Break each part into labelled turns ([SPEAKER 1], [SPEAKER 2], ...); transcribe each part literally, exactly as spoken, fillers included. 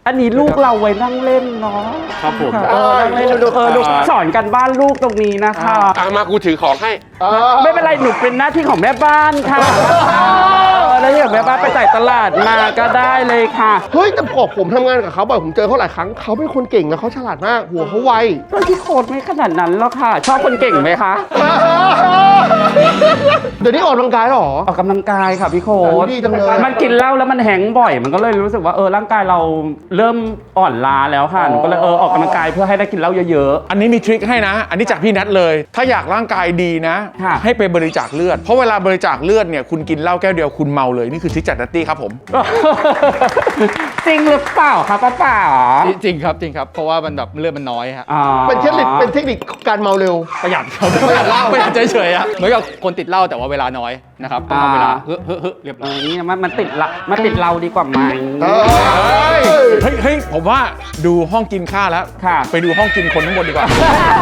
[SPEAKER 1] อันนี้ลูกเราไว้นั่งเล่นเนาะ
[SPEAKER 2] ครับผม
[SPEAKER 1] เออนั่งเล่นดูเออดูสอนกันบ้านลูกตรงนี้นะคะ
[SPEAKER 3] อ่ะมากูถือของให้
[SPEAKER 1] ไม่เป็นไรหนูเป็นหน้าที่ของแม่บ้านค่ะแล้วอย่างแม่บ้านไปจ่ายตลาดมาก็ได้เลยค่ะ
[SPEAKER 4] เฮ้ยแต่พอผมทำงานกับเขาบ่อยผมเจอเขาหลายครั้งเขาเป็นคนเก่งนะเขาฉลาดมากหัวเขาไว
[SPEAKER 1] พี่โคตรไม่ขนาดนั้นหรอกค่ะชอบคนเก่งไหมคะ
[SPEAKER 4] เดี๋ยวนี้ออกกำลังกายหรอ
[SPEAKER 1] ออกกำลังกายค่ะพี่โคตร
[SPEAKER 4] ดีจังเลย
[SPEAKER 1] มันกินเหล้าแล้วมันแห้งบ่อยมันก็เลยรู้สึกว่าเออร่างกายเราเริ่มอ่อนล้าแล้วค่ะหนูก็เลยเออออกกำลังกายเพื่อให้ได้กินเหล้าเยอะ
[SPEAKER 2] ๆอันนี้มีทริคให้นะอันนี้จากพี่นัทเลยถ้าอยากร่างกายดีนะให้ไปบริจาคเลือดเพราะเวลาบริจาคเลือดเนี่ยคุณกินเหล้าแก้วเดียวคุณเมาเลยนี่คือทริคจากนัตตี้ครับผม
[SPEAKER 1] จริงหรือเปล่าครับป้าป๋า
[SPEAKER 5] จริงครับจริงครับเพราะว่ามันแบบเลือดมันน้อยฮะ
[SPEAKER 4] เป็นเทคนิคเป็นเทคนิคการเมาเร็ว
[SPEAKER 5] ประหยัดครับประหยัดเหล้าประหยัดเฉยๆอะเหมือนกับคนติดเหล้าแต่ว่าเวลาน้อยนะครับต้องเอาเวลาเฮ้อเฮ้อเฮ้อเรียบร้อย
[SPEAKER 1] นี่มันมันติดละมันติดเราดีกว่าไหม
[SPEAKER 2] เฮ้ยเฮ้ยผมว่าดูห้องกินข้าวแล้วไปดูห้องกินคนทั้งหมดดีกว่า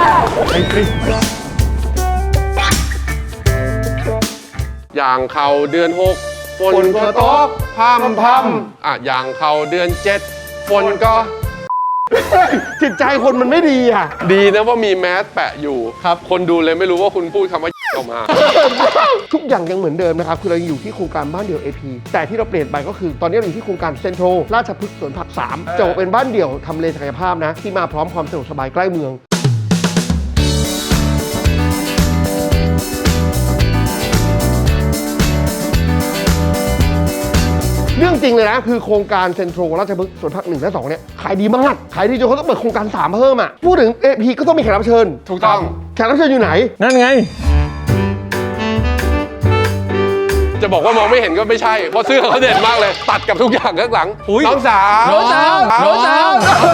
[SPEAKER 3] อย่างเขาเดือนหกฝนก็ตกพรำพรำอ่ะอย่างเขาเดือนเจ็ดฝนก็
[SPEAKER 4] จิตใจคนมันไม่ดีอ่ะ
[SPEAKER 3] ดีนะว่ามีแมสแปะอยู่ครับคนดูเลยไม่รู้ว่าคุณพูดคำว่าออกมา
[SPEAKER 4] ทุกอย่างยังเหมือนเดิมนะครับคือเราอยู่ที่โครงการบ้านเดี่ยว เอ พี แต่ที่เราเปลี่ยนไปก็คือตอนนี้เราอยู่ที่โครงการเซ็นทรัลราชพฤกษ์สวนผักสามจะเป็นบ้านเดี่ยวทำเลศักยภาพนะที่มาพร้อมความสะดวกสบายใกล้เมืองเรื่องจริงเลยนะคือโครงการเซ็นทรัลราชพฤกษ์สวนผักหนึ่งและสองเนี่ยขายดีมากขายดีจนเขาต้องเปิดโครงการสามเพิ่มอ่ะพูดถึง เอ พี ก็ต้องมีแขกรับเชิญ
[SPEAKER 3] ถูกต้อง
[SPEAKER 4] แขกรับเชิญอยู่ไหน
[SPEAKER 2] นั่นไง
[SPEAKER 3] จะบอกว่ามองไม่เห็นก็ไม่ใช่เพราะเสื้อเขาเด่นมากเลยตัดกับทุกอย่างข้างหลังน้องสาว
[SPEAKER 2] น้องสาวน้องสาว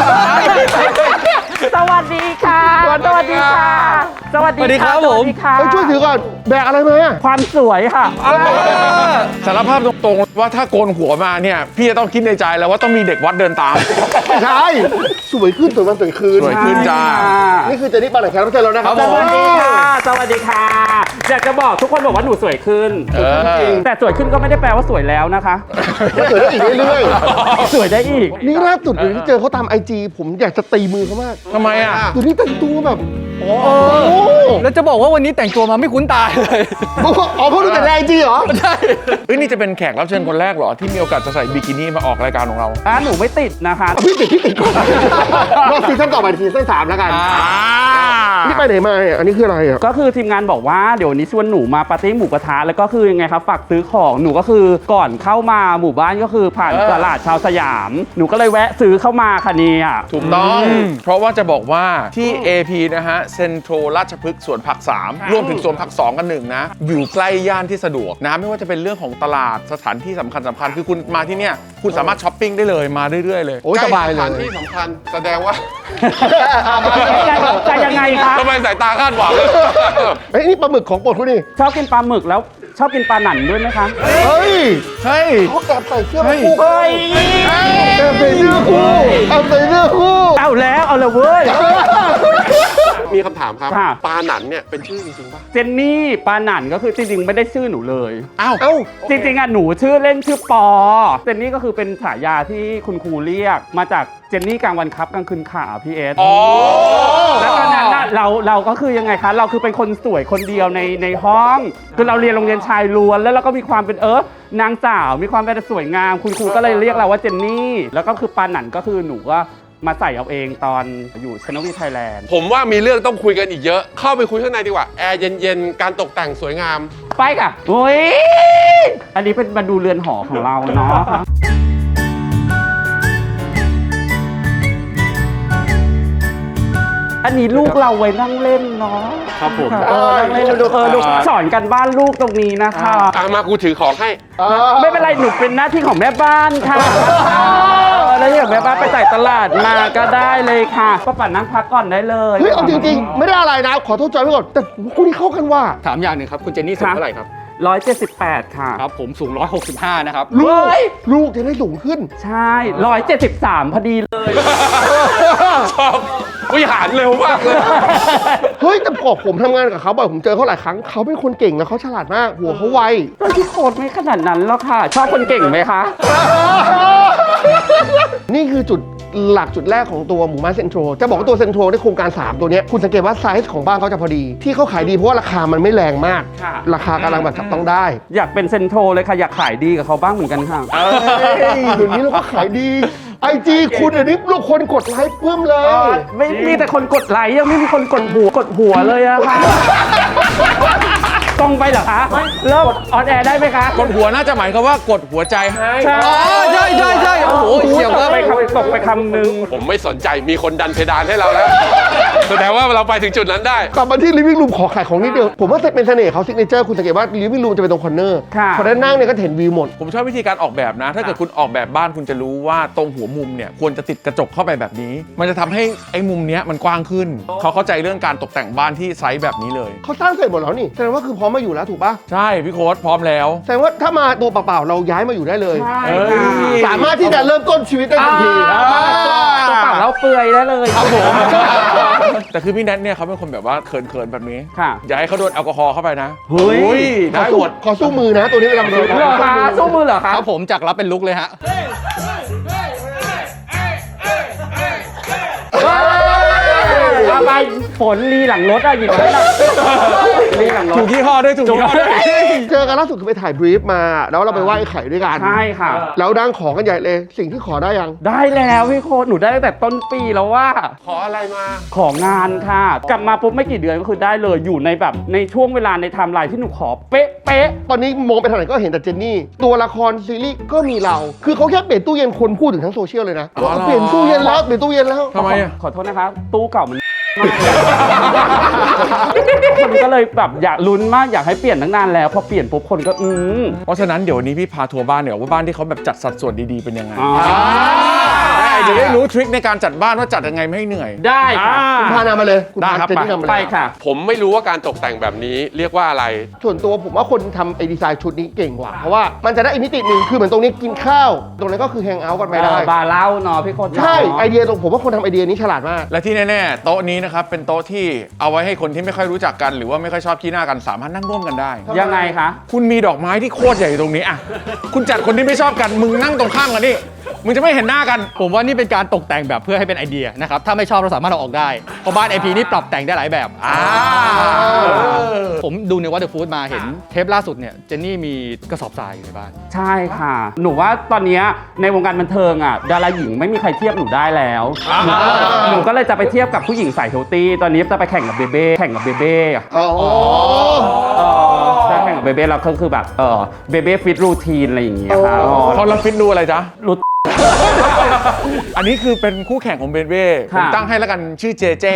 [SPEAKER 1] สวัสดีค่ะสวัสดีค่ะสวัสดีครับผม
[SPEAKER 4] ไปช่วยถือก่อนแบกอะไรมา
[SPEAKER 1] ความสวยค่ะ
[SPEAKER 2] สารภาพตรงๆว่าถ้าโกนหัวมาเนี่ยพี่จะต้องคิดในใจแล้วว่าต้องมีเด็กวัดเดินตาม
[SPEAKER 4] ใช่สวยขึ้นสวยวันสวยคืน
[SPEAKER 2] สวยขึ้นจ้า
[SPEAKER 4] นี่คือเจนนี่ปาไหนแขกรับเชิญแล้วนะครับ
[SPEAKER 1] สวัสดีค่ะสวัสดีค่ะอยากจะบอกทุกคนบอกว่าหนูสวยขึ้นแต่สวยขึ้นก็ไม่ได้แปลว่าสวยแล้วนะคะ
[SPEAKER 4] สวยได้อีกเรื่อย
[SPEAKER 1] ๆสวยได้อีก
[SPEAKER 4] นี่ล่าสุดเลยที่เจอเขาตามไอจีผมอยากจะตีมือเขามาก
[SPEAKER 2] ทำไมอ่ะ
[SPEAKER 4] ดูนี่แต่งตัวแบบโอ้
[SPEAKER 5] แล้วจะบอกว่าวันนี้แต่งตัวมาไม่คุ้นตาเลย
[SPEAKER 4] อ๋อเพราะดูแต่ในไอจีเหรอ
[SPEAKER 5] ใช่
[SPEAKER 2] เอ้ยนี่จะเป็นแขกรับเชิญคนแรกเหรอที่มีโอกาสจะใส่บิกินี่มาออกรายการของเรา
[SPEAKER 1] อ่ะหนูไม่ติดนะคะ
[SPEAKER 4] พี่ติดพี่ติดก่อนรอบซีซั่นต่อไปซีซั่นสามแล้วกันนี่ไปไหนมาอ่ะอันนี้คืออะไรอ่ะ
[SPEAKER 1] ก็คือทีมงานบอกว่าเดี๋ยวนี้ชวนหนูมาปาร์ตี้หมูกระทะแล้วก็คือยังไงครับฝากซื้อของหนูก็คือก่อนเข้ามาหมู่บ้านก็คือผ่านตลาดชาวสยามหนูก็เลยแวะซื้อเข้ามาค่ะเนี่ย
[SPEAKER 2] ถูกต้องเพราะว่าจะบอกว่าที่ เอ พี นะฮะเซ็นทรัลราชพฤกษ์สวนผักสามรวมถึงสวนผักสองกันหนึ่งนะอยู่ใกล้ย่านที่สะดวกนะไม่ว่าจะเป็นเรื่องของตลาดสถานที่สำคัญสำคัญคือคุณมาที่เนี่ยคุณสามารถช้อปปิ้งได้เลยมาเรื่อยๆเลย
[SPEAKER 4] โอ้ยสบายเลย
[SPEAKER 3] สถานที่สำคัญแสดงว่า
[SPEAKER 1] จะยังไงคะ
[SPEAKER 3] ทำไมสายตาคาดหวัง
[SPEAKER 4] เฮ้ยนี่ปลาหมึกของโปรดคุณนี่
[SPEAKER 1] ชอบกินปลาหมึกแล้วชอบกินปลาหนันด้วยไหมคะ
[SPEAKER 4] เฮ้ย
[SPEAKER 2] เฮ้ย
[SPEAKER 4] เขาแอบใส่เสื้อคู่เฮ้ยแอบใส่เสื้อคู่แอบใส่เสื้อคู่
[SPEAKER 1] เอาแล้วเอาเลยเว้ย
[SPEAKER 3] มีคำถามครับปลาหนันเนี่ยเป็นชื่อจริงๆป่ะ
[SPEAKER 1] เจนนี่ปลาหนันก็คือจริงๆไม่ได้ชื่อหนูเลย
[SPEAKER 2] อ้าว
[SPEAKER 1] จริงๆอ่ะหนูชื่อเล่นชื่อปอเจนนี่ก็คือเป็นฉายาที่คุณครูเรียกมาจากเจนนี่กลางวันครับกลางคืนขาพี่เอสแล้วตอนนั้นเราเราก็คือยังไงคะเราคือเป็นคนสวยคนเดียวในในห้องคือเราเรียนโรงเรียนชายล้วนแล้วเราก็มีความเป็นเออนางสาวมีความเป็นสวยงามคุณครูก็เลยเรียกเราว่าเจนนี่แล้วก็คือปลาหนันก็คือหนูก็มาใส่เอาเองตอนอยู่ชนวีไทยแลนด์
[SPEAKER 3] ผมว่ามีเรื่องต้องคุยกันอีกเยอะเข้าไปคุยข้างในดีกว่าแอร์เย็นๆการตกแต่งสวยงาม
[SPEAKER 1] ไปค่ะโอ้ยอันนี้เป็นมาดูเรือนหอของเราเนาะอันนี้ลูกเราไว้นั่งเล่นเนาะ
[SPEAKER 2] ครับผม
[SPEAKER 1] เออนั่งเล่นดูเออดูสอนกันบ้านลูกตรงนี้นะคะ
[SPEAKER 3] อ่ะมากูถือของให้
[SPEAKER 1] ไม่เป็นไรหนูเป็นหน้าที่ของแม่บ้านค่ะแล้วอย่างแม่บ้านไปจ่ายตลาดมาก็ได้เลยค่ะป้าป่านั่งพักก่อนได้เลย
[SPEAKER 4] เฮ้ยเอาจริงๆไม่ได้อะไรนะขอโทษจอยไว้ก่อนแต่คู่นี้เข้ากันว่า
[SPEAKER 5] ถามอย่างหนึ่งครับคุณเจนนี่สูงเท่าไหร่ครับ
[SPEAKER 1] ร้อยเจ็ดสิบแปดค่ะ
[SPEAKER 5] ครับผมสูงหนึ่งร้อยหกสิบห้านะครับ
[SPEAKER 4] ลูกลูกจะได้สูงขึ้น
[SPEAKER 1] ใช่หนึ่งร้อยเจ็ดสิบสามพอดีเลย
[SPEAKER 3] ชอบวิหารเร็วมากเลย
[SPEAKER 4] เฮ้ยแต่พอผมทำงานกับเขาบ่อยผมเจอเขาหลายครั้งเขาเป็นคนเก่งแล้วเขาฉลาดมากหัวเขาไว
[SPEAKER 1] พี่โคตรไม่ขนาดนั้นหรอกค่ะชอบคนเก่งไหมคะ
[SPEAKER 4] นี่คือจุดหลักจุดแรกของตัวหมู่บ้านเซ็นทรัลจะบอกว่าตัวเซ็นทรัลในโครงการสามตัวเนี้ยคุณสังเกตว่าไซส์ของบ้านเขาจะพอดีที่เขาขายดีเพราะว่าราคามันไม่แรงมาก
[SPEAKER 1] ค่ะ
[SPEAKER 4] ราคากำลังแบบจับต้องได้
[SPEAKER 1] อยากเป็นเซนโทรเลยค่ะอยากขายดีกับเขาบ้างเหมือนกันค่ะ
[SPEAKER 4] เอ้ยเดี๋ยวนี้เราก็ขายดีไอจีคุณเดี๋ยวนี้ลูกคนกดไลค์เพิ่มเลย
[SPEAKER 1] ไม่มีแต่คนกดไลค์ยังไม่มีคนกดหัวกดหัวเลยอะค่ะ ตรงไปเหรอคะเริ่มออนแอร์ได้ไหมคะ
[SPEAKER 2] กดหัวน่าจะหมายความว่ากดหัวใจให้
[SPEAKER 1] ใช่
[SPEAKER 5] อ๋อใช่ใช่ใช่โอ้โหเฉียว
[SPEAKER 1] ต
[SPEAKER 5] ครั
[SPEAKER 1] ก
[SPEAKER 5] บ
[SPEAKER 1] ไปคำตกไปคำหนึ่ง
[SPEAKER 3] ผมไม่สนใจมีคนดันเพดานให้เราแล้ว แสดงว่าเราไปถึงจุดนั้นได้
[SPEAKER 4] กลับมาที่ living room ขอขายของนิดเดียวผมว่าเป็นเสน่ห์เขาซิกเนเจอร์คุณสังเกตว่า living room จะเป็นตรงคอนเนอร์
[SPEAKER 1] ค่ะ
[SPEAKER 4] พอได้นั่งเนี่ยก็เห็นวิวหมด
[SPEAKER 2] ผมชอบวิธีการออกแบบนะ ถ้าเกิดคุณออกแบบบ้านคุณจะรู้ว่าตรงหัวมุมเนี่ยควรจะติดกระจกเข้าไปแบบนี้ มันจะทำให้ไอ้มุมเนี้ยมันกว้างขึ้น เขาเข้าใจเรื่องการตกแต่งบ้านที่ไซส์แบบนี้เลย
[SPEAKER 4] เขาสร้างเสร็จหมดแล้วนี่แสดงว่าคือพร้อมมาอยู่แล้วถูกปะ
[SPEAKER 2] ใช่พี่โค้ดพร้อมแล้ว
[SPEAKER 4] แสดงว่าถ้ามาตัวเปล่าๆเราย้ายมาอยู่ได้เลย
[SPEAKER 1] ใช่
[SPEAKER 2] เอ้ย
[SPEAKER 1] ค่ะ
[SPEAKER 4] สามารถที่จะเริ่มต้นชีวิตได้ทันที
[SPEAKER 1] ตัวเปล่าแล้วเปลือยได้เลยครับผม
[SPEAKER 2] แต่คือพี่แนทเนี่ยเขาเป็นคนแบบว่าเขินๆแบบนี้
[SPEAKER 1] ค่ะ
[SPEAKER 2] อย่าให้เขาโดนแอลกอฮอล์เข้าไปนะ
[SPEAKER 1] เฮ้ย
[SPEAKER 4] ขอ
[SPEAKER 2] ได้
[SPEAKER 4] สู้
[SPEAKER 2] หมด
[SPEAKER 4] ขอสู้มือนะ ตัวนี้เวลามันโดน
[SPEAKER 1] เหรอคะสู้มือเหรอคะ
[SPEAKER 5] ครับผมจากรับเป็นลุกเลยฮะ
[SPEAKER 1] เอาไปฝนรีหลังรถอะหยิบไว้หน่อยรีหลังรถ
[SPEAKER 2] ถูกยี่ห้อด้วยถูกยี่ห้อด้วย
[SPEAKER 4] เจอกันล่าสุดคือไปถ่ายบรีฟมา แล้วเราไปไหว้ไอ้ไข่ด้วยกัน
[SPEAKER 1] ใช่ค่ะ
[SPEAKER 4] แล้วดังขอกันใหญ่เลย สิ่งที่ขอได้ยัง
[SPEAKER 1] ได้แล้วพี่โค้ดหนูได้ตั้งแต่ต้นปีแล้วว่า
[SPEAKER 3] ขออะไรมา
[SPEAKER 1] ของานค่ะ กลับมาปุ๊บไม่กี่เดือนก็คือได้เลยอยู่ในแบบในช่วงเวลาในไทม์ไลน์ที่หนูขอเป๊ะเป๊ะ
[SPEAKER 4] ตอนนี้มองไปทางไหนก็เห็นแต่เจนนี่ ตัวละครซีรีส์ก็มีเรา คือเขาแค่เปลี่ยนตู้เย็นคนพูดถึงทั้งโซเชียลเลยนะ
[SPEAKER 2] อ๋อเหรอ
[SPEAKER 4] เปลี่ยนตู้เย็นแล้วเปลี่ยนตู้เย็นแล้ว
[SPEAKER 2] ทำไมอะ
[SPEAKER 1] ขอโทษนะคะ ตู้เก่ามัน คนก็เลยแบบอยากลุ้นมากอยากให้เปลี่ยนตั้งนานแล้วพอเปลี่ยนปุ๊บคนก็อืม
[SPEAKER 2] เพราะฉะนั้นเดี๋ยววันนี้พี่พาทัวร์บ้านเดี๋ยวว่าบ้านที่เขาแบบจัดสัดส่วนดีๆเป็นยังไง
[SPEAKER 1] อ๋อ
[SPEAKER 2] ได้เดี๋ยวได้รู้ทริคในการจัดบ้านว่าจัดยังไงไม่ให้เหนื่อย
[SPEAKER 1] ได้ค่ะ
[SPEAKER 4] คุณพานามาเลยคุณ
[SPEAKER 2] ได้
[SPEAKER 4] พา
[SPEAKER 2] ครับ
[SPEAKER 4] เจนนี่นำมาเลย
[SPEAKER 1] ไปค่ะ
[SPEAKER 3] ผมไม่รู้ว่าการตกแต่งแบบนี้เรียกว่าอะไร
[SPEAKER 4] ส่วนตัวผมว่าคนทำไอ้ดีไซน์ชุดนี้เก่งกว่า เพราะว่ามันจะได้อีกมิติหนึ่งคือเหมือนตรงนี้กินข้าว ตรงนั้นก็คือแฮงเอาท์กันไปได้
[SPEAKER 1] บาร์เล่าเนาะพี่โค้ดเนาะ
[SPEAKER 4] ใช่ไอเดียตรงผมว่าคนทำไอเดียนี้ฉลาดมาก
[SPEAKER 2] และที่แน่ๆโต๊ะนี้นะครับเป็นโต๊ะที่เอาไว้ให้คนที่ไม่ค่อยรู้จักกันหรือว่าไม่ค่อยชอบขี้หน้ากันสามารถนั่งร่วมกันได้
[SPEAKER 1] ยังไงคะ
[SPEAKER 2] คุณมีดอกไม้ที่โคตรใหญ่ตรงนี้อ่ะคุณจัดคนที่ไม่ชอบกันมึงนั่งตรงข้ามกันนี่มึงจะไม่เห็นหน้ากัน
[SPEAKER 5] ผมว่านี่เป็นการตกแต่งแบบเพื่อให้เป็นไอเดียนะครับ ถ้าไม่ชอบเราสามารถเอาออกได้ เพราะบ้าน ไอ พี นี่ปรับแต่งได้หลายแบบ
[SPEAKER 2] อ่า
[SPEAKER 5] ผมดูในวัตเตอร์ฟู้ดมาเห็นเทปล่าสุดเนี่ย เจนนี่มีกระสอบทรายอยู่ในบ้าน
[SPEAKER 1] ใช่ค่ะ หนูว่าตอนเนี้ยในวงการบันเทิงอ่ะดาราหญิงไม่มีใครเทียบหนูได้แล้ว หนูก็เลยจะไปเทียบกับผู้หญิงสายเฮลตี้ตอนนี้จะไปแข่งกับเบเบ้แข่งกับเบเบ้อะ
[SPEAKER 4] อ๋อ
[SPEAKER 1] เออจะแข่งกับเบเบ้แล้วก็คือแบบเออเบเบ้ฟิตรูทีนอะไรอย่างเงี้ยค่ะอ๋อ
[SPEAKER 2] พอเราฟิตดูอะไรจ๊ะ
[SPEAKER 1] รู้
[SPEAKER 2] อันนี้คือเป็นคู่แข่งของเบนเบ้ผม
[SPEAKER 1] ค่ะ
[SPEAKER 2] ตั้งให้แล้วกันชื่อเจเจ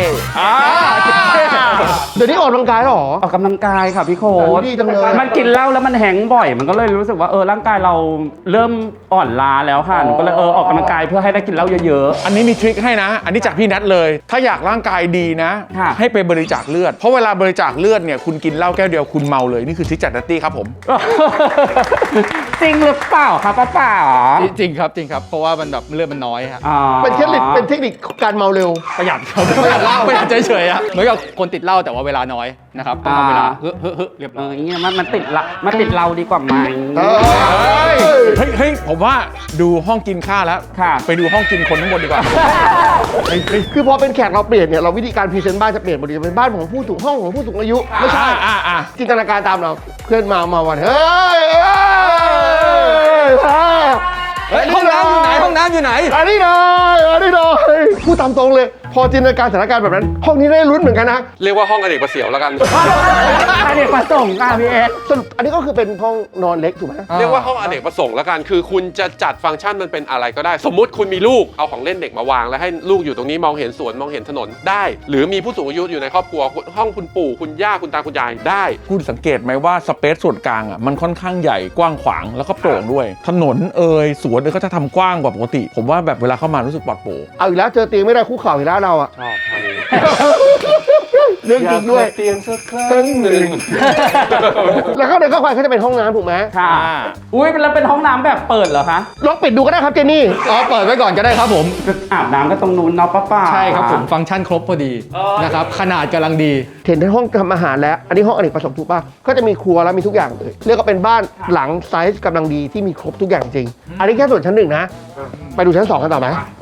[SPEAKER 4] เดี๋ยวนี้ออกกำลังกายแล้วเหรอ
[SPEAKER 1] ออกกำลังกายค่ะพี่โค้ด
[SPEAKER 4] ดีจังเลย
[SPEAKER 1] มันกินเหล้าแล้วมันแห้งบ่อย มันก็เลยรู้สึกว่าเออร่างกายเราเริ่มอ่อนล้าแล้วค่ะหนูก็เลยเออออกกำลังกายเพื่อให้ได้กินเหล้าเยอะ
[SPEAKER 2] อันนี้มีทริคให้นะ อันนี้จากพี่นัทเลย ถ้าอยากร่างกายดีนะ
[SPEAKER 1] ค่ะ
[SPEAKER 2] ให้ไปบริจาคเลือด เพราะเวลาบริจาคเลือดเนี่ยคุณกินเหล้าแก้วเดียวคุณเมาเลย นี่คือทริคจากนัตตี้ครับผม
[SPEAKER 1] ๆ จริงหรือเปล่าครับป้าป๋า
[SPEAKER 5] จริงครับจริงครับ เพราะว่ามันแบบเลือดมันน้อยฮะ
[SPEAKER 1] อ๋อ
[SPEAKER 4] เป็นเทคนิคเป็นเทคนิคการเมาเร็ว
[SPEAKER 5] ประหยัดครับประหยัดเหล้าประหยัดเฉยๆอะเหมือนกับคนติดเหล้าแต่ว่าเวลาน้อยนะครับต้องทำเวลาเฮ้อเฮ้อเฮ้อเรียบ
[SPEAKER 1] เอ
[SPEAKER 5] ร้อ
[SPEAKER 1] อย อย่างเงี้ยมันมันติดละมันติดเราดีกว่าไหม
[SPEAKER 4] เออ
[SPEAKER 2] เฮ้ยเฮ้ยผมว่าดูห้องกินข้าวแล้ว
[SPEAKER 1] ค่ะ
[SPEAKER 2] ไปดูห้องกินคนทั้างบนดีกว่า
[SPEAKER 4] คือพอเป็นแขกเราเปลี่ยนเนี่ยเราวิธีการพรีเซนต์บ้านจะเปลี่ยนหมดเลยเป็นบ้านของผู้สูงห้องของผู้สูงอายุไม่ใช่
[SPEAKER 2] อ่าอ่าอ่า
[SPEAKER 4] จินตนาการตามเราเพื่อนมามาวันเฮ้ยเฮ้ยเฮ้ย
[SPEAKER 5] เฮ้ยห้องน้ำอยู่ไหนห้องน้ำอยู่ไหน
[SPEAKER 4] อันนี้หน่อยอันนี้หน่อยพูดตามตรงเลย พอจินตนาการสถานการณ์แบบนั้น ห้องนี้ได้ลุ้นเหมือนกันนะ
[SPEAKER 3] เรียกว่าห้องอเนกประเสียวแล้วกัน
[SPEAKER 1] อันนี้ประสงค์ค่ะพี่เอส
[SPEAKER 4] สรุปอันนี้ก็คือเป็นห้องนอนเล็กถูกไหม
[SPEAKER 3] เรียกว่าห้องอเนกประสงค์แล้วกัน คือคุณจะจัดฟังก์ชันมันเป็นอะไรก็ได้ สมมุติคุณมีลูก เอาของเล่นเด็กมาวาง แล้วให้ลูกอยู่ตรงนี้มองเห็นสวนมองเห็นถนนได้ หรือมีผู้สูงอายุอยู่ในครอบครัว ห้องคุณปู่คุณย่าคุณตาคุณยายได้
[SPEAKER 2] คุณสังเกตไหมว่าสเปซส่วนกลางอ่ะมันค่อนข้างใหญ่กว้างขวางแล้วก็โปร่งด้วย ถนนเอ่ยสวนเอ่ยก็จะทำกว้างกว่าปกติ ผมว่าแบบเวลาเข้ามารู้สึกปลอดโปร่ง
[SPEAKER 4] เอาอีกแล้วเจอเตียงไม่ได้คู่เข่าอีกแล้วเราอะ
[SPEAKER 3] ชอบท่านี้
[SPEAKER 4] เรื่องจริงด้วย
[SPEAKER 3] เตียงสักครั้งหนึ่ง
[SPEAKER 4] แล้วข้างในเข้าไปเขาจะเป็นห้องน้ำถูกไหม
[SPEAKER 1] ค่ะ อุ้ยแล้วเป็นห้องน้ำแบบเปิดเหรอคะ
[SPEAKER 4] ลองปิดดูก็ได้ครับเจนนี่
[SPEAKER 5] อ๋อเปิดไว้ก่อนก็ได้ครับผม
[SPEAKER 1] อาบน้ำก็ตรงนู้นเนาะป้าป๋า
[SPEAKER 5] ใช่ครับผมฟังก์ชันครบพอดีนะครับขนาดกำลังดี
[SPEAKER 4] เห็นในห้องทำอาหารแล้ว อันนี้ห้องอเนกประสงค์ถูกป่ะก็จะมีครัวแล้วมีทุกอย่างเลยเรียกว่าเป็นบ้านหลังไซส์กำลังดีที่มีครบทุกอย่างจริง อันนี้แค่ส่วนชั้นหนึ่งนะ ไปดูชั้นสองกันต่อไหม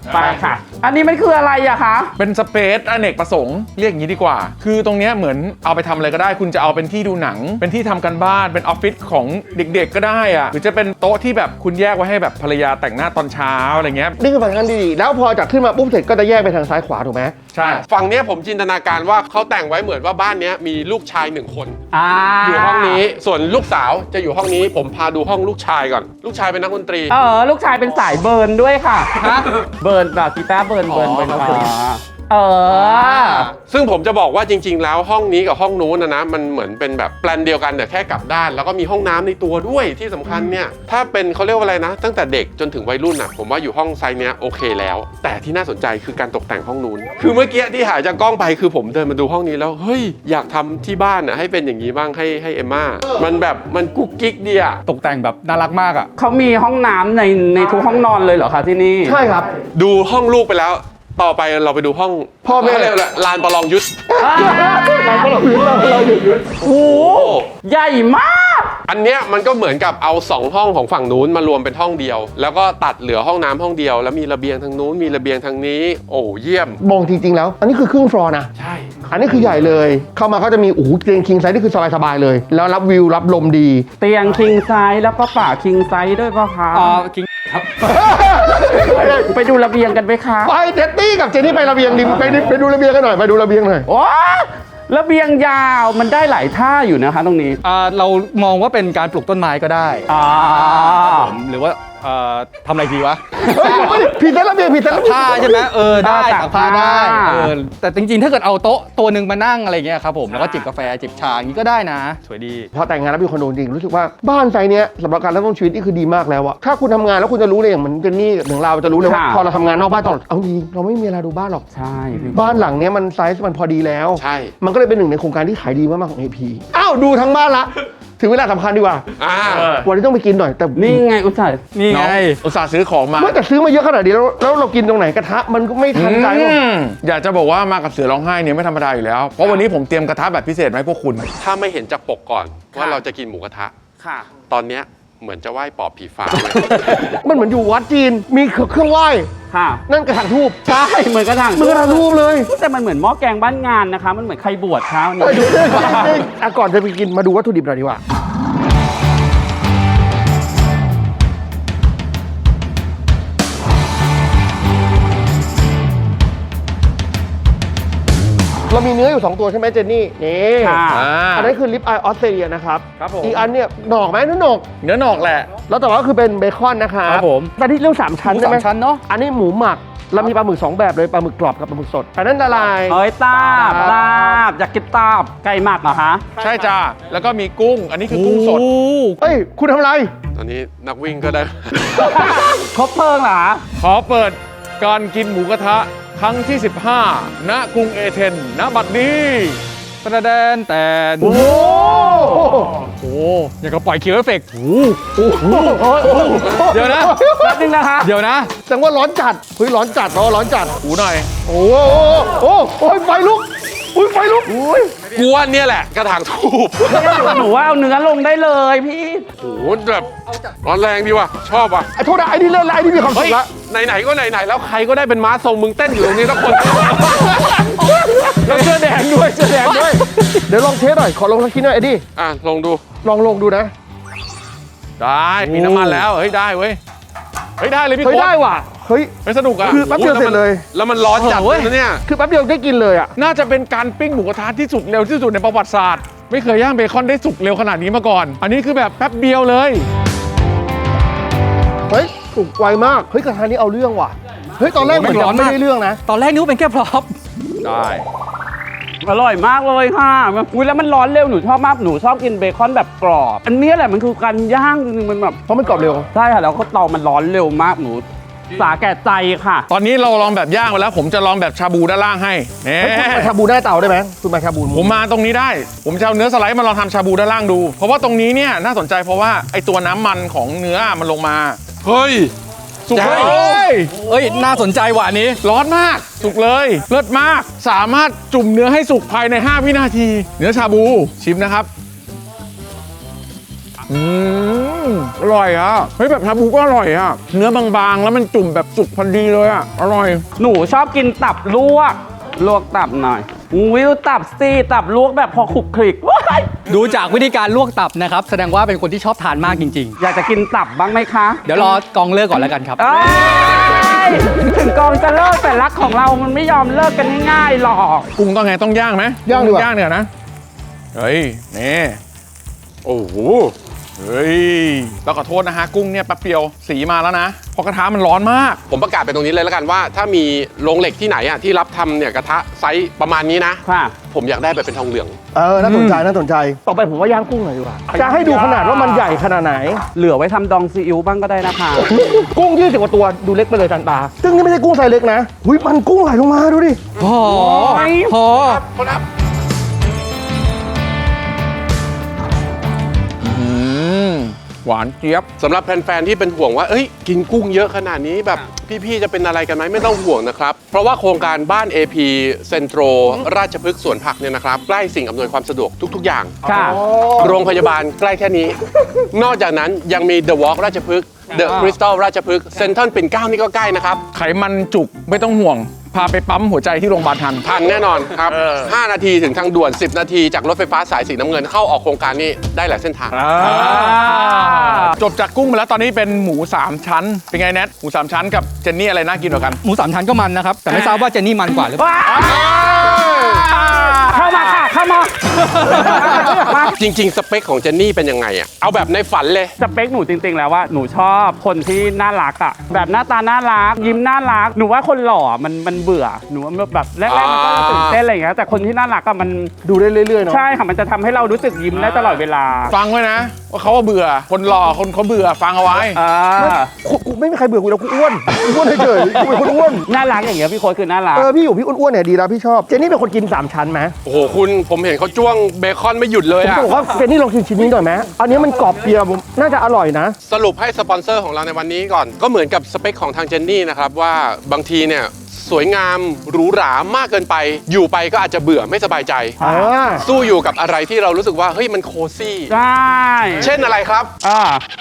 [SPEAKER 1] ไปค่ะ อันนี้มันคืออะไรอะคะ
[SPEAKER 2] เป็นสเปซอเนกประสงค์เรียกอย่างนี้ดีกว่า คือตรงเนี้ยเหมือนเอาไปทำอะไรก็ได้ คุณจะเอาเป็นที่ดูหนัง เป็นที่ทำกันบ้านเป็นออฟฟิศของเด็กๆก็ได้อะหรือจะเป็นโต๊ะที่แบบคุณแยกไว้ให้แบบภรรยาแต่งหน้าตอนเช้าอะไรเงี้ย
[SPEAKER 4] นี่คือฟังก์ชันดีๆแล้วพอจากขึ้นมาปุ๊บเสร็จก็จะแยกไปทางซ้ายขวาถูกไหม
[SPEAKER 2] ใช่
[SPEAKER 3] ฝั่งเนี้ยผมจินตนาการว่าเขาแต่งไว้เหมือนว่าบ้านเนี้ยมีลูกชายหนึ่งคน
[SPEAKER 1] อ่า
[SPEAKER 3] อยู่ห้องนี้ส่วนลูกสาวจะอยู่ห้องนี้ผมพาดูห้องลูกชายก่อน ลูกชายเป็นนักดนตรี
[SPEAKER 1] เออ ลูกชายเป็นสายเบิร์นด้วยค่ะเบิร์นแบบกีตาร์เบิร์นเบิร์น
[SPEAKER 5] อ๋อ
[SPEAKER 1] เป็น
[SPEAKER 5] โอ
[SPEAKER 1] ฟ้า
[SPEAKER 5] เค
[SPEAKER 1] เออ
[SPEAKER 3] ซึ่งผมจะบอกว่าจริง ๆ แล้วห้องนี้กับห้องนู้นนะนะมันเหมือนเป็นแบบแปลนเดียวกันแต่แค่กลับด้าน แล้วก็มีห้องน้ำในตัวด้วยที่สำคัญเนี่ยถ้าเป็นเขาเรียกว่าอะไรนะ ตั้งแต่เด็กจนถึงวัยรุ่นอ่ะผมว่าอยู่ห้องไซส์เนี้ยโอเคแล้ว แต่ที่น่าสนใจคือการตกแต่งห้องนู้นคือเมื่อกี้ที่หายจากกล้องไปคือผมเดินมาดูห้องนี้แล้วเฮ้ยอยากทำที่บ้านอ่ะให้เป็นอย่างนี้บ้างให้ให้เอมม่ามันแบบมันกุ๊กกิ๊กดีอ่ะ
[SPEAKER 5] ตกแต่งแบบน่ารักมากอ่ะ
[SPEAKER 1] เขามีห้องน้ำในในทุกห้องนอนเลยเหรอคะที่นี่
[SPEAKER 4] ใช่ครับ
[SPEAKER 3] ดูห้องลูกไปแล้ว ต่อไปเราไปดูห้อง
[SPEAKER 4] พ่อแม่
[SPEAKER 3] เขาเรียกอะไรลานประลองยุทธ
[SPEAKER 4] เราก็เราหยุดเราเราหยุด
[SPEAKER 1] โอ้โหใหญ่มาก
[SPEAKER 3] อันเนี้ยมันก็เหมือนกับเอาสองห้องของฝั่งนู้นมารวมเป็นห้องเดียว แล้วก็ตัดเหลือห้องน้ำห้องเดียว แล้วมีระเบียงทางนู้นมีระเบียงทางนี้ โอ้เยี่ยม
[SPEAKER 4] มองจริงๆแล้ว อันนี้คือครึ่งฟลอร์นะ
[SPEAKER 3] ใช่
[SPEAKER 4] อันนี้คือใหญ่เลย เข้ามาก็จะมีโอ้โหเตียงคิงไซส์นี่คือสบายๆเลย แล้วรับวิวรับลมดี
[SPEAKER 1] เตียงคิงไซส์แล้วก็ป่าคิงไซส์ด้วยป่ะคะ
[SPEAKER 5] อ่ากิงครับ
[SPEAKER 1] ไปดูระเบียงกันไหมคะ
[SPEAKER 4] ไปเดตตี้กับเจนนี่ไประเบียงดิไปดิไปดูระเบียงกันหน่อยไปดูระเบียงหน่อย
[SPEAKER 1] โอ้ระเบียงยาวมันได้หลายท่าอยู่นะคะตรงนี้
[SPEAKER 5] อ่าเรามองว่าเป็นการปลูกต้นไม้ก็ได้
[SPEAKER 1] อ่า
[SPEAKER 5] ผมหรือว่าเอ่อทำอะไรดีวะ
[SPEAKER 4] เฮ้ยเฮ้ยผิดแล้วระเบียงผิดแล้ว
[SPEAKER 5] ผ้าใช่ไหมเออได้
[SPEAKER 1] ตา
[SPEAKER 5] ตาก ก
[SPEAKER 1] ผ้า
[SPEAKER 5] ผ้าได้เออแต่จริงๆ ถ้าเกิดเอาโต๊ะตัวหนึ่งมานั่งอะไรเงี้ยครับผมแล้วก็จิบกาแฟจิบชาอย่างนี้ก็ได้นะ สวยดี
[SPEAKER 4] พอแต่งงานแล้วมีคอนโดจริงรู้สึกว่าบ้านไซส์เนี้ยสำหรับการเริ่มต้นชีวิตนี่คือดีมากแล้วอะถ้าคุณทำงานแล้วคุณจะรู้เลยอย่างเหมือนเจนนี่ถึงเราจะรู้เลยว่า
[SPEAKER 1] ค่ะ
[SPEAKER 4] พอเราทำงานนอกบ้านตลอดเอาจริงเราไม่มีเวลาดูบ้านหรอก
[SPEAKER 1] ใช่พี่
[SPEAKER 4] บ้านหลังเนี้ยมันไซส์มันพอดีแล้ว
[SPEAKER 3] ใช่
[SPEAKER 4] มันก็เลยเป็นหนึ่งในโครงการที่ขายดีมากๆของ เอ พี อ้าวดูทั้งบ้านละ ถึงเวลาสำคัญดีกว่า
[SPEAKER 3] อ่า
[SPEAKER 4] วันนี้ต้องไปกินหน่อยแต่
[SPEAKER 1] นี่ไงอุตส่าห์
[SPEAKER 5] นี่ไง
[SPEAKER 2] อุตส่าห์ซื้อของมา
[SPEAKER 4] เมื่อแต่ซื้อมาเยอะขนาดนี้แล้วแล้วเรากินตรงไหนกระทะมันก็ไม่ทันใจหรอก
[SPEAKER 2] อืมอยากจะบอกว่ามากับเสือร้องไห้เนี่ยไม่ธรรมดาอยู่แล้ว เพราะวันนี้ผมเตรียมกระทะแบบพิเศษมาให้พวกคุณ
[SPEAKER 3] ถ้าไม่เห็นจากปกก่อนว่าเราจะกินหมูกระทะ
[SPEAKER 1] ค่ะ
[SPEAKER 3] ตอนเนี้ยเหมือนจะไหว้ปอบผีฟ้าเลย
[SPEAKER 4] มันเหมือนอยู่วัดจีนมีเครื่องไหว้
[SPEAKER 1] ค่ะ
[SPEAKER 4] นั่นกระถางทูบ
[SPEAKER 1] ใช่ เหมือนกระถาง
[SPEAKER 4] มันกระถางทูบเลย
[SPEAKER 1] แต่มันเหมือนหม้อแกงบ้านงานนะคะ มันเหมือนใครบวชเช้านี้
[SPEAKER 4] เอ้ยเดี๋ยวเดี๋ยวเดี๋ยวเดี๋ยวอ่ะก่อนจะไปกินมาดูวัตถุดิบหน่อยดีกว่า เรามีเนื้ออยู่ สอง ตัวใช่ไหมเจนนี่ นี่
[SPEAKER 1] ค่ะ
[SPEAKER 2] อ่า
[SPEAKER 4] อันนั้นคือลิปอายออสเตรเลียนะครับ
[SPEAKER 2] ครับผม
[SPEAKER 4] อีกอันเนี่ยหนอกไหมนั่นหนอก
[SPEAKER 2] เนื้อหนอกแหละ
[SPEAKER 4] แล้วแต่ว่าคือเป็นเบคอนนะครับ
[SPEAKER 5] ครับผม
[SPEAKER 4] แต่ที่เรื่องสามชั้น
[SPEAKER 5] หมู
[SPEAKER 4] ใช่ไหม
[SPEAKER 5] สามชั้นเนอะ
[SPEAKER 4] อันนี้หมูหมักเรามีปลาหมึกสองแบบเลยปลาหมึกกรอบกับปลาหมึกสดอันนั้นละลาย
[SPEAKER 1] เอ้ยตาบตาบอยากกินตาบไก่หมักเหรอคะ
[SPEAKER 2] ใช่จ้าแล้วก็มีกุ้ง อันนี้คือกุ้งสด
[SPEAKER 5] โอ้
[SPEAKER 4] เฮ้ย คุณทำอะไร
[SPEAKER 3] ตอนนี้นักวิ่งก็ได้
[SPEAKER 1] ครบเพลิงเหรอคะ
[SPEAKER 2] ขอเปิดการกินหมูกระทะครั้งที่ สิบห้า ณ กรุงเอเธนณ บัดนี้
[SPEAKER 5] ประแดนแต่
[SPEAKER 4] โอ้โห
[SPEAKER 5] โอ้อย่างกับปล่อยคิวเอฟเฟกต์
[SPEAKER 4] โอ้โห
[SPEAKER 5] เดี๋ยวนะ
[SPEAKER 1] แป๊บนึงนะคะ
[SPEAKER 5] เดี๋ยวนะ
[SPEAKER 4] แสดงว่าร้อนจัดเฮ้ยร้อนจัดเนาะร้อนจัด
[SPEAKER 2] หูหน่อย
[SPEAKER 4] โอ้โหโอ้โหโอ้ยไฟลุกอุ้ยไฟลุกอุ้ย
[SPEAKER 3] กูว่าเนี่ยแหละกระถางทูบ
[SPEAKER 1] หนูว่าเอาเนื้อลงได้เลยพี่
[SPEAKER 3] โอ้โหแบบร้อนแรงดีว่ะ ชอบว่ะ
[SPEAKER 4] ไอ้โทษนะไอ้นี่เล่นแล้วไอ้นี่มีความสุ
[SPEAKER 3] เฮ้ย
[SPEAKER 4] ขละ
[SPEAKER 3] ไหนๆก็ไหนๆแล้วใครก็ได้เป็นม้าทรงมึงเต้นอยู่ตรงนี้ทุกคน
[SPEAKER 4] แล้วเสื้อแดงด้วยเสื้อแดงด้วยเดี๋ยวลองเทสหน่อยขอลองสักทีหน่อยไอ้ดิ
[SPEAKER 3] อ่ะลองดู
[SPEAKER 4] ลองลงดูนะ
[SPEAKER 2] ได้มีน้ำมันแล้ว เฮ้ย ได้เว้ย เฮ้ย ได้เลยพี่
[SPEAKER 4] เฮ้ย
[SPEAKER 2] โค้
[SPEAKER 4] ได้
[SPEAKER 2] ด
[SPEAKER 4] ว่ะเฮ้ย
[SPEAKER 2] ไม่สนุกอ่ะ
[SPEAKER 4] คือแป๊บเดียวเสร็จเลย
[SPEAKER 3] แล้วมันร้อนจัดเลยนะเนี่ย
[SPEAKER 4] คือแป๊บเดียวได้กินเลยอ่ะ
[SPEAKER 2] น่าจะเป็นการปิ้งหมูกระทะที่สุดเร็วที่สุดในประวัติศาสตร์ ไม่เคยย่างเบคอนได้สุกเร็วขนาดนี้มาก่อน อันนี้คือแบบแป๊บเดียวเลย
[SPEAKER 4] เฮ้ยสุกไวมากเฮ้ยกระทะนี้เอาเรื่องว่ะเฮ้ยตอนแรกเหมือนจะไม่ได้เรื่องนะ
[SPEAKER 5] ตอนแรกนึกว่าเป็นแค่พร็อพ
[SPEAKER 2] ได้
[SPEAKER 1] อร่อยมากเลยค่ะอุ้ยแล้วมันร้อนเร็วหนูชอบมากหนูชอบกินเบคอนแบบกรอบ อันนี้แหละมันคือการย่างจริงๆมันแบบ
[SPEAKER 4] เพราะมันกรอบเร็ว
[SPEAKER 1] ใช่ค่ะแล้วก็เตามันร้อนเร็วมากหนูสาแก่ใจค่ะ
[SPEAKER 2] ตอนนี้เราลองแบบย่างไปแล้ว ผมจะลองแบบชาบูด้านล่างให้เน่
[SPEAKER 4] เฮ้ยคุณมาชาบูได้เตาได้ไหมคุณมาชาบู
[SPEAKER 2] ผมมาตรงนี้ได้ ผมจะเอาเนื้อสไลด์มาลองทำชาบูด้านล่างดู เพราะว่าตรงนี้เนี่ยน่าสนใจเพราะว่าไอตัวน้ำมันของเนื้อมันลงมา
[SPEAKER 3] เฮ้ย
[SPEAKER 2] สุกเล
[SPEAKER 3] ได้
[SPEAKER 2] ย
[SPEAKER 5] เอ้ย น่าสนใจว่ะอันนี้
[SPEAKER 2] ร้อนมาก สุกเลย เลิศมาก สามารถจุ่มเนื้อให้สุกภายใน ห้า วินาที เนื้อชาบู ชิมนะครับ อืมมอร่อยอ่ะเฮ้ยแบบชาบูก็อร่อยอ่ะเนื้อบางๆ แล้วมันจุ่มแบบสุกพอดีเลยอ่ะอร่อย
[SPEAKER 1] หนูชอบกินตับลวก ลวกตับหน่อยวิวตับซีตับลวกแบบพอขลุกคลิกว้าย
[SPEAKER 5] ดูจากวิธีการลวกตับนะครับ แสดงว่าเป็นคนที่ชอบทานมากจริง
[SPEAKER 1] อยากจะกินตับบ้างไหมคะ
[SPEAKER 5] ๆ เดี๋ยวรอกองเลิกก่อนแล้วกันครับ
[SPEAKER 1] เอ้ยถึงกองจะเลิกแต่รักของเรามันไม่ยอมเลิกกันง่ายๆหรอก
[SPEAKER 2] กุ้งต้องไงต้องย่างไหม
[SPEAKER 4] ย่างดีกว่า
[SPEAKER 2] ย่างเนี่ยนะ เฮ้ย นี่ โอ้โห เฮ้ยเราขอโทษนะฮะ กุ้งเนี่ยแป๊บเดียวสีมาแล้วนะเพราะกระทะมันร้อนมาก
[SPEAKER 3] ผมประกาศไปตรงนี้เลยแล้วกันว่า ถ้ามีโรงเหล็กที่ไหนอ่ะที่รับทำเนี่ยกระทะไซส์ประมาณนี้นะ
[SPEAKER 1] ค่ะ
[SPEAKER 3] ผมอยากได้แบบเป็นทองเหลือง
[SPEAKER 4] เออ น่าสนใจ น่าสนใจ ต่อไปผมว่าย่างกุ้งหน่อยดีกว่า จะให้ดูขนาดว่ามันใหญ่ขนาดไหน
[SPEAKER 1] เหลือไว้ทำดองซีอิ๊วบ้างก็ได้นะคะ
[SPEAKER 4] กุ้งยี่สิบกว่าตัว ดูเล็กไปเลยจันตา ซึ่งนี่ไม่ใช่กุ้งไซส์เล็กนะหุยมันกุ้งไหลลงมาดูดิ
[SPEAKER 5] พอ พอ
[SPEAKER 3] ครับ
[SPEAKER 2] อืม หวานเจี๊ยบ
[SPEAKER 3] สำหรับแฟนๆที่เป็นห่วงว่า เอ้ย กินกุ้งเยอะขนาดนี้แบบพี่ๆจะเป็นอะไรกันไหมไม่ต้องห่วงนะครับ เพราะว่าโครงการบ้าน เอ พี Centro ราชพฤกษ์สวนผักเนี่ยนะครับ ใกล้สิ่งอำนวยความสะดวกทุกๆอย่าง
[SPEAKER 1] ค่ะ
[SPEAKER 3] โรงพยาบาลใกล้แค่นี้ นอกจากนั้นยังมี The Walk ราชพฤกษ์ The Crystal ราชพฤกษ์เซ็นทรัลปิ่นเกล้านี่ก็ใกล้นะครับ
[SPEAKER 2] ไขมันจุกไม่ต้องห่วง พาไปปั๊มหัวใจที่โรงพยาบาลทัน
[SPEAKER 3] ทันแน่นอนครับ ห้า นาทีถึงทางด่วน สิบ นาทีจากรถไฟฟ้าสายสีน้ำเงินเข้าออกโครงการนี้ได้หลายเส้นทาง
[SPEAKER 2] จบจากกุ้งไปแล้วตอนนี้เป็นหมูสามชั้น เป็นไงแนทหมูสามชั้นกับเจนนี่อะไรน่ากินกว่ากัน
[SPEAKER 5] หมูสามชั้นก็มันนะครับ แต่ไม่ทราบว่าเจนนี่มันกว่าหรือเปล่า
[SPEAKER 1] เข้ามาค่ะ เข้ามามา
[SPEAKER 3] จริง ๆ สเปคของเจนนี่เป็นยังไงอะเอาแบบในฝันเลย
[SPEAKER 1] สเปคหนูจริงๆแล้วว่าหนูชอบคนที่น่ารักอ่ะแบบหน้าตาน่ารัก ยิ้มน่ารัก หนูว่าคนหล่อมันมันเบื่อหนูว่าแบบแรกๆมันก็จะตื่นเต้นอะไรอย่างเงี้ยแต่คนที่น่ารักอะมัน
[SPEAKER 4] ดูได้เรื่อยๆเนาะ
[SPEAKER 1] ใช่ค่ะมันจะทำให้เรารู้สึกยิ้มได้ตลอดเวลา
[SPEAKER 2] ฟังไว้นะ ว่าเขาว่าเบื่อ คนหล่อคนเขาเบื่อฟังเอาไว้
[SPEAKER 1] อ่า
[SPEAKER 4] กูกูไม่มีใครเบื่อกูแล้วกูอ้วนกูอ้วนเฉยๆกูเป็นคนอ้วน
[SPEAKER 1] น่ารักอย่างเงี้ยพี่โค้ดคือน่ารัก
[SPEAKER 4] เออ พี่อยู่พี่อ้วนๆเนี่ยดีแล้วพี่ชอบ เจนนี่เป็นคนกินสามชั้นไหม
[SPEAKER 3] โอ้โหคุณผมเห็นเขาจ้วงเบคอนไม่หยุดเลย
[SPEAKER 4] ผม
[SPEAKER 3] อะ
[SPEAKER 4] จะบอกว่าเจนนี่ลองกินชิ้นนี้หน่อยไหมอันนี้มันกรอบเปียผมน่าจะอร่อยนะ
[SPEAKER 3] สรุปให้สปอนเซอร์ของเราในวันนี้ก่อน ก็เหมือนกับสเปคของทางเจนนี่นะครับว่าบางทีเนี่ยสวยงามหรูหรามากเกินไป อยู่ไปก็อาจจะเบื่อไม่สบายใจ
[SPEAKER 4] อ่า
[SPEAKER 3] สู้อยู่กับอะไรที่เรารู้สึกว่าเฮ้ยมันโคซี่
[SPEAKER 1] ใช่
[SPEAKER 3] เช่นอะไรครับ
[SPEAKER 1] อ่า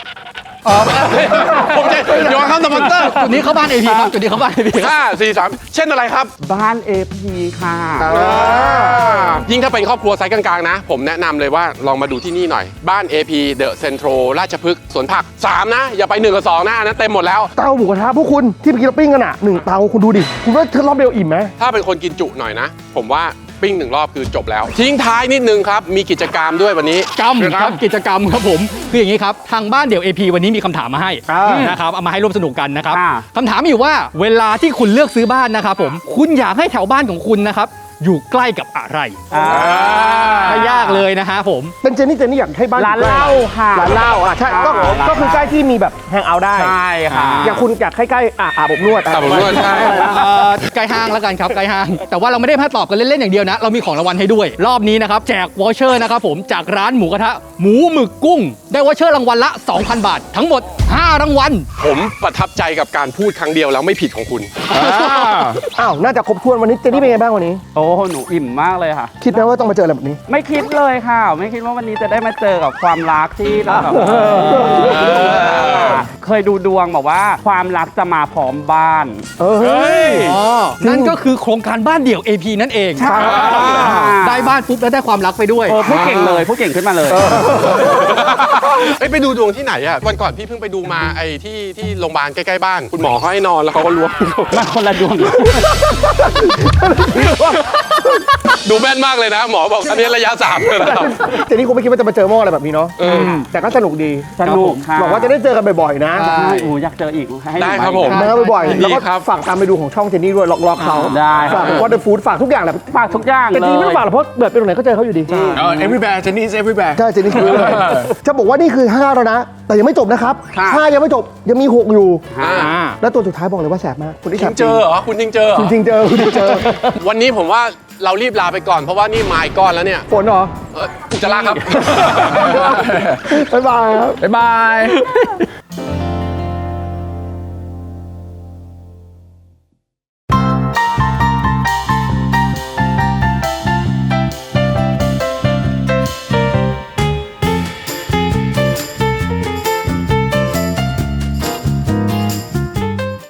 [SPEAKER 3] ผมจะโยนคำสปอนเซอร์
[SPEAKER 5] จุดนี้เข้าบ้าน เอ พี ครับ จุดนี้เข้าบ้าน เอ พี ครับ
[SPEAKER 3] ห้าสี่สามเช่นอะไรครับ
[SPEAKER 1] บ้าน เอ พี ค่ะ
[SPEAKER 3] ยิ่งถ้าเป็นครอบครัวไซส์กลางๆนะ ผมแนะนำเลยว่าลองมาดูที่นี่หน่อย บ้าน เอ พี The Centro ราชพฤกษ์สวนผักสามนะ อย่าไปหนึ่งกับสองนะอันนั้นเต็มหมดแล้ว
[SPEAKER 4] เตาหมูกระทะพวกคุณที่เมื่อกี้เราปิ้งกันอ่ะหนึ่งเตาคุณดูดิ คุณว่าเธอรอบเดียวอิ่มไหม
[SPEAKER 3] ถ้าเป็นคนกินจุหน่อยนะ ผมว่าปิ้งหนึ่งรอบคือจบแล้ว ทิ้งท้ายนิดนึงครับ มีกิจกรรมด้วยวันนี้
[SPEAKER 5] กรรมครับกิจกรรมครับผมคืออย่างนี้ครับทางบ้านเดี่ยว เอ พี วันนี้มีคำถามมาให้
[SPEAKER 4] อ่าน
[SPEAKER 5] นะครับเอามาให้ร่วมสนุกกันนะครับ
[SPEAKER 1] อ่า
[SPEAKER 5] คำถามมีอยู่ว่าเวลาที่คุณเลือกซื้อบ้านนะครับผมคุณอยากให้แถวบ้านของคุณนะครับอยู่ใกล้กับอะไร
[SPEAKER 1] อ่า
[SPEAKER 5] ไม่ยากเลยนะฮะผม
[SPEAKER 4] เป็นเจนนี่เจนนี่อยากให้บ้าน
[SPEAKER 1] ร้านเหล้าค่ะ
[SPEAKER 4] ร้านเหล้าอ่ะใช่ก็
[SPEAKER 1] อ่า
[SPEAKER 4] ก็คือใกล้ที่มีแบบแฮงเอาท์ได้
[SPEAKER 1] ใช่ค่ะ
[SPEAKER 4] อย่างคุณอยากให้ใกล้อ่ะอาบอบนวด
[SPEAKER 3] อาบอบนวดใช่
[SPEAKER 5] เอ่อใกล้ห้างแล้วกันครับใกล้ห้าง แต่ว่าเราไม่ได้แค่ตอบกันเล่นๆอย่างเดียวนะ เรามีของรางวัลให้ด้วย รอบนี้นะครับแจกวอเชอร์นะครับผมจากร้านหมูกระทะหมูหมึกกุ้ง ได้วอเชอร์รางวัลละ สองพัน บาท ทั้งหมด ห้า รางวัล
[SPEAKER 3] ผมประทับใจกับการพูดครั้งเดียวแล้วไม่ผิดของคุณ
[SPEAKER 4] อ้าวน่าจะครบถ้วนวันนี้เจนนี่เป็นไงบ้างวันนี้
[SPEAKER 1] โอ้หนูอิ่มมากเลยค่ะ
[SPEAKER 4] คิดไหมว่าต้องมาเจออะไรแบบนี้
[SPEAKER 1] ไม่คิดเลยค่ะ ไม่คิดว่าวันนี้จะได้มาเจอกับความรักที่เราแบบเคยดูดวงบอกว่าความรักจะมาพร้อมบ้าน
[SPEAKER 4] เออเฮ้ย
[SPEAKER 5] อ๋อ นั่นก็คือโครงการบ้านเดี่ยว เอ พี นั่นเอง
[SPEAKER 1] ใช่
[SPEAKER 5] ได้บ้านปุ๊บแล้วได้ความรักไปด้วย
[SPEAKER 1] เออพูดเก่งเลยพูดเก่งขึ้นมาเลย
[SPEAKER 3] เอ้ยไปดูดวงที่ไหนอะวันก่อนพี่เพิ่งไปดูมาไอ้ที่ที่โรงพยาบาลใกล้ๆบ้าน คุณหมอเขาให้นอนแล้วเขาก็ล้วง
[SPEAKER 1] มันคนละดวง
[SPEAKER 3] ดูแม่นมากเลยนะ หมอบอกอันนี้ระยะสามเลยนะครับ
[SPEAKER 4] เจนนี่คงไม่คิดว่าจะมาเจอหม้ออะไรแบบนี้เนาะแต่ก็สนุกดี
[SPEAKER 1] สนุกค่ะ
[SPEAKER 4] บอกว่าจะได้เจอกันบ่อยๆนะ
[SPEAKER 5] ใช่
[SPEAKER 1] หนูอยากเจออีกให้หนู
[SPEAKER 3] ได้ครับ
[SPEAKER 1] ไป
[SPEAKER 3] ผม
[SPEAKER 4] มาบ่อย
[SPEAKER 3] ยิน
[SPEAKER 4] ๆ
[SPEAKER 3] ดี
[SPEAKER 4] แล้วก็
[SPEAKER 3] ครับ
[SPEAKER 4] ฝากตามไปดูของช่องเจนนี่ด้วยล็อกๆเขา
[SPEAKER 1] ได้
[SPEAKER 4] ฝากวอเตอร์ฟู้ดฝากทุกอย่างแหละ
[SPEAKER 1] ฝากทุกอย่าง
[SPEAKER 4] แต่
[SPEAKER 1] เล
[SPEAKER 4] จริงๆไม่
[SPEAKER 1] ย
[SPEAKER 4] ต้องฝากหรอกเพราะเกิดไปตรงไหนก็เจอเขาอยู่ดี
[SPEAKER 2] เออ everywhere เจนนี่ is everywhere
[SPEAKER 4] ใช่เจนนี่คือเลยจะบอกว่านี่คือห้าแล้วนะ แต่ยังไม่จบนะครับ
[SPEAKER 1] ค่ะ
[SPEAKER 4] ห้ายังไม่จบยังมีหกอยู่
[SPEAKER 1] อ่า
[SPEAKER 4] แล้วตัวสุดท้ายบอกเลยว่าแสบมากคนที่
[SPEAKER 3] จ
[SPEAKER 4] แส
[SPEAKER 3] ริ
[SPEAKER 4] บ
[SPEAKER 3] งเจอเหรอ คุณจริงเจอเหรอ
[SPEAKER 4] จริงๆเจอคุณจริงเจอ
[SPEAKER 3] วันนี้ผมว่าเรารีบลาไปก่อนเพราะว่านี่มาอีกก้อนแล้วเนี่ย
[SPEAKER 4] ฝนเหรอ
[SPEAKER 3] เอออุจจาระครับ
[SPEAKER 4] บ๊ายบายครับ
[SPEAKER 2] บ๊ายบาย